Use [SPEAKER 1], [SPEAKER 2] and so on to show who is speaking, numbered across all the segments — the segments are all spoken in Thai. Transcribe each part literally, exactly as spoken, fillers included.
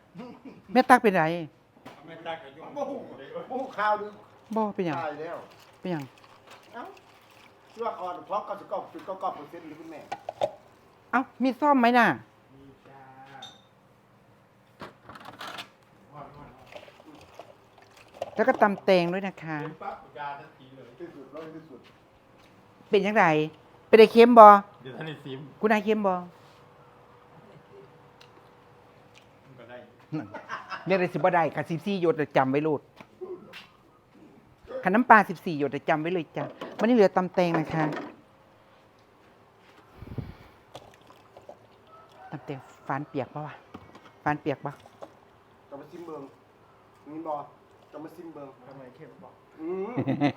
[SPEAKER 1] แม่ตักเป็นไร
[SPEAKER 2] แม่ตักกับยุ่ง
[SPEAKER 3] โอ้โหโอ้โหข่าวดู
[SPEAKER 1] บ่เป็นหยัง
[SPEAKER 3] ตายแล้ว
[SPEAKER 1] เป็นหยัง
[SPEAKER 3] เอ้าเชื่อก่อนพร้อมกับจะกอบจุดก็กอบเปอร์เซ็นต์หรือคุณแม่
[SPEAKER 1] เอ้ามีซ่อมไหมน่ะ
[SPEAKER 2] มีจ้า
[SPEAKER 1] แล้วก็ตำแตงด้วยนะคะ
[SPEAKER 2] เป็นปั๊บยาทันทีเลย
[SPEAKER 3] ที่สุดแล้วที่สุด
[SPEAKER 1] เป็นยังไงเป็นไอเค็มบ่
[SPEAKER 2] เดี๋ยวท่านในซิม
[SPEAKER 1] คุณนายเค็มบ่
[SPEAKER 2] มันก็ได้
[SPEAKER 1] เรียกได้สิบ่ได้ค่ะสิบสี่หยดจำไว้โลดขันน้ำปลาสิบสี่หยดจำไว้เลยจ้ะวันนี้เหลือตำแตงนะคะตำแตงฟานเปียกปะวะฟานเปียกปะ
[SPEAKER 3] จะมาซิมเบิงนี่บอจะมาซิมเบิง
[SPEAKER 2] ทำไมเข้มบอก
[SPEAKER 3] อืม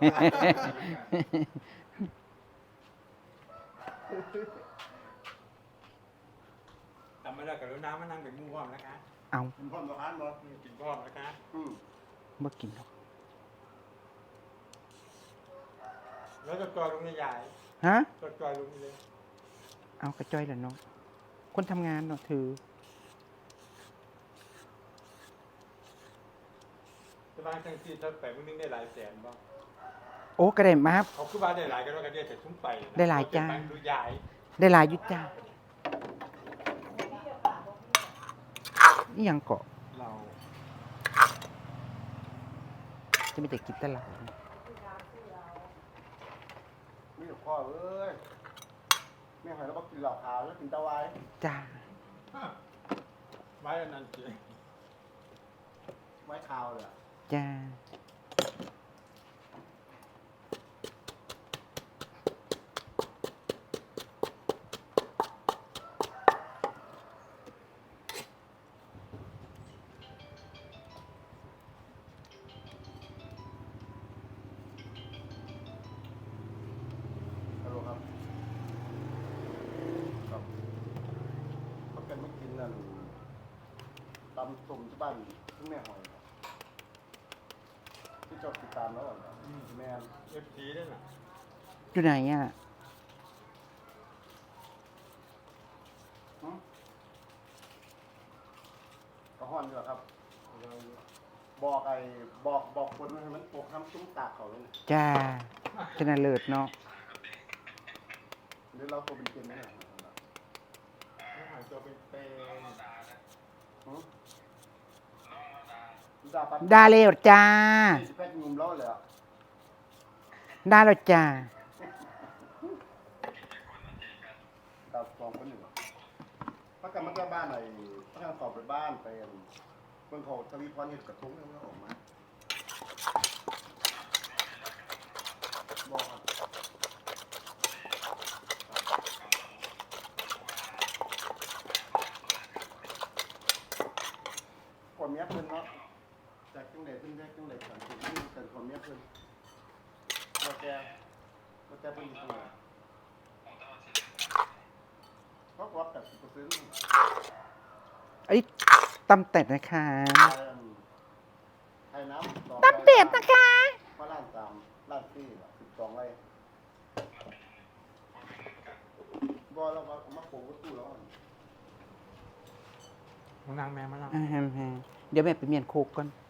[SPEAKER 2] ทำไม่ได้กับรถน้ำมานั่งเป็นมู่พร้อมนะคะ
[SPEAKER 1] เอา
[SPEAKER 3] คุณพ่อมาอ่านบอ
[SPEAKER 2] กินพร้อมนะคะ
[SPEAKER 3] อืม
[SPEAKER 1] บ่กินหรอก
[SPEAKER 2] แล้วก็จอยลงในยาย
[SPEAKER 1] ฮะ
[SPEAKER 2] ก็จอยลงนี่เลย
[SPEAKER 1] เอากระจ้อยแล้วเนาะคนทำงานเนาะถือ
[SPEAKER 2] จะบ้านทั้งที่ถ้าไปมันนึงได้หลายแสนบ้าง
[SPEAKER 1] โอ้กระเด็นมา
[SPEAKER 2] เขาคือบ้านได้หลายกันว่ากันเดียวแต่ทุ่มไป
[SPEAKER 1] ได้หลายจ้า
[SPEAKER 2] ดูยาย
[SPEAKER 1] ได้หลายอยุจ้านี่ยังเกาะ
[SPEAKER 2] เรา
[SPEAKER 1] จะไม่แต่กินแต่เหล้า
[SPEAKER 3] มีแต่พ่อเอ้ยแม่หอยแล้วบอกกินเหล้าขาวแล้วกินตะไวาย
[SPEAKER 1] จ้า
[SPEAKER 2] ไว้อันนั้นเจ๊
[SPEAKER 3] ไว้ขาวเลยอะ
[SPEAKER 1] จ้า
[SPEAKER 3] ฮัลโหลครับครับเขาเป็นไม่กินนั่นตำส้มที่บ้านที่แม่หอยครับที่เจดติดตามแล้วเหรอแม่น
[SPEAKER 2] เอฟซีด้วยนะ
[SPEAKER 1] อยู่ไหนอ่ะ
[SPEAKER 3] หึกระห้อนดีกว่าครับ บอกไอ้บอกบอกคนให้มันปกทำซุ้มตากเขาเลยนะ
[SPEAKER 1] จ้าชนะเลิศเนาะ
[SPEAKER 3] หรือเราตัวเป็นเกมไหมเนี่ย
[SPEAKER 2] ไม่หายตัวเป็นเป็น
[SPEAKER 3] หึดาปัด
[SPEAKER 1] ได้แล้วจ้า
[SPEAKER 3] สิแพ็กยุมแล้วเลยอ่ะ
[SPEAKER 1] ได้แล้วจ้า
[SPEAKER 3] ดาวสองคนหนึ่งอะถ้ากันมันก็บ้านไหนถ้ากันสอบไปบ้านไปเมืองเขาทวีพรเห็ดกระทุ้งเนี่ยมันออกมาบอกครับคนเมียเพิ่นเนาะจากจังเดเพิ่นจากจังเดสันติที่เกิดคนเมียเพิ่นเราแกเราแกเพิ่นอยู่ตรงไหนเขาก็รับแต่สิบเปอร์เซ็นต์
[SPEAKER 1] ไอ้ตำแตดนะคะ
[SPEAKER 3] ไทยน้ำ
[SPEAKER 1] ตำเป็ดนะคะ
[SPEAKER 3] เพราะล้านสามล้านสี่สิบสองไร่บอเราเอามาปลูกวัตถุแล้ว
[SPEAKER 2] มานั่งแม่มานั่ง
[SPEAKER 1] อ่าฮะฮะเดี๋ยวแม่ไปเมียนโคกก่อน